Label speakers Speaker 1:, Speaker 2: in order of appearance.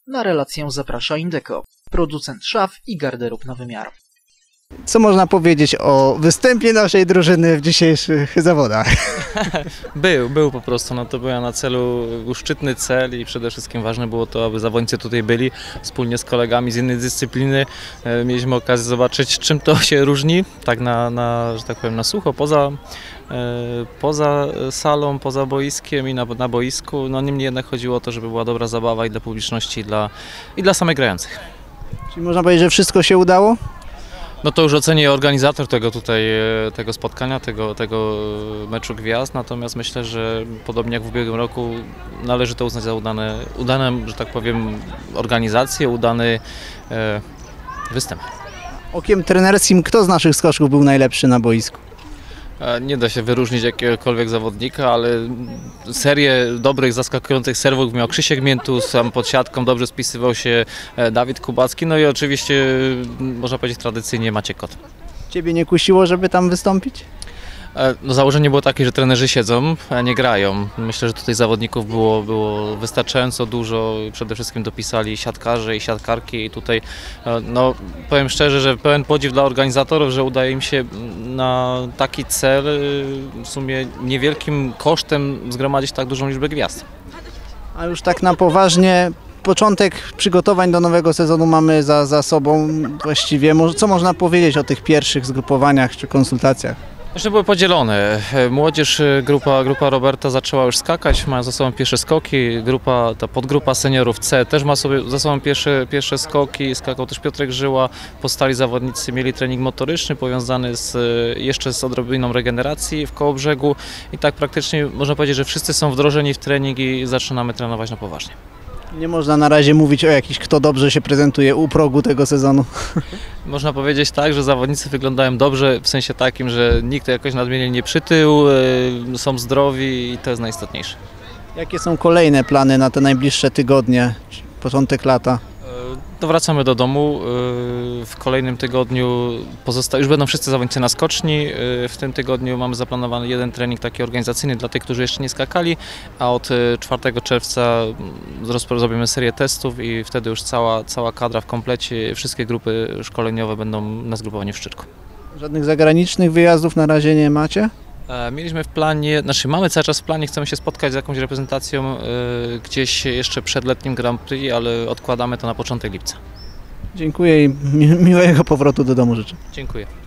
Speaker 1: Na relację zaprasza Indeco, producent szaf i garderób na wymiar.
Speaker 2: Co można powiedzieć o występie naszej drużyny w dzisiejszych zawodach?
Speaker 3: Był po prostu, no to był na celu, był szczytny cel i przede wszystkim ważne było to, aby zawodnicy tutaj byli wspólnie z kolegami z innej dyscypliny. Mieliśmy okazję zobaczyć, czym to się różni, tak że tak powiem, na sucho, poza salą, poza boiskiem i na boisku. No niemniej jednak chodziło o to, żeby była dobra zabawa i dla publiczności, i dla samych grających.
Speaker 2: Czyli można powiedzieć, że wszystko się udało?
Speaker 3: No to już oceni organizator tego spotkania, tego meczu gwiazd, natomiast myślę, że podobnie jak w ubiegłym roku należy to uznać za udane, że tak powiem, organizację, udany występ.
Speaker 2: Okiem trenerskim, kto z naszych skoczków był najlepszy na boisku?
Speaker 3: Nie da się wyróżnić jakiegokolwiek zawodnika, ale serię dobrych, zaskakujących serwów miał Krzysiek Miętus, sam pod siatką dobrze spisywał się Dawid Kubacki, no i oczywiście, można powiedzieć tradycyjnie, Maciek Kot.
Speaker 2: Ciebie nie kusiło, żeby tam wystąpić?
Speaker 3: No, założenie było takie, że trenerzy siedzą, a nie grają. Myślę, że tutaj zawodników było wystarczająco dużo. Przede wszystkim dopisali siatkarze i siatkarki i tutaj no, powiem szczerze, że pełen podziw dla organizatorów, że udaje im się na taki cel w sumie niewielkim kosztem zgromadzić tak dużą liczbę gwiazd.
Speaker 2: A już tak na poważnie, początek przygotowań do nowego sezonu mamy za sobą właściwie. Co można powiedzieć o tych pierwszych zgrupowaniach czy konsultacjach?
Speaker 3: Jeszcze były podzielone. Młodzież, grupa Roberta zaczęła już skakać, mają za sobą pierwsze skoki. Ta podgrupa seniorów C też ma sobie za sobą pierwsze skoki. Skakał też Piotrek Żyła. Pozostali zawodnicy mieli trening motoryczny powiązany jeszcze z odrobiną regeneracji w Kołobrzegu. I tak praktycznie można powiedzieć, że wszyscy są wdrożeni w trening i zaczynamy trenować na poważnie.
Speaker 2: Nie można na razie mówić o jakimś, kto dobrze się prezentuje u progu tego sezonu.
Speaker 3: Można powiedzieć tak, że zawodnicy wyglądają dobrze, w sensie takim, że nikt jakoś nadmiernie nie przytył, są zdrowi i to jest najistotniejsze. Jakie
Speaker 2: są kolejne plany na te najbliższe tygodnie, początek lata?
Speaker 3: To wracamy do domu. W kolejnym tygodniu już będą wszyscy zawodnicy na skoczni. W tym tygodniu mamy zaplanowany jeden trening taki organizacyjny dla tych, którzy jeszcze nie skakali, a od 4 czerwca zrobimy serię testów i wtedy już cała kadra w komplecie, wszystkie grupy szkoleniowe będą na zgrupowaniu w Szczyrku.
Speaker 2: Żadnych zagranicznych wyjazdów na razie nie macie?
Speaker 3: Mieliśmy w planie, mamy cały czas w planie, chcemy się spotkać z jakąś reprezentacją gdzieś jeszcze przed letnim Grand Prix, ale odkładamy to na początek lipca.
Speaker 2: Dziękuję i miłego powrotu do domu życzę.
Speaker 3: Dziękuję.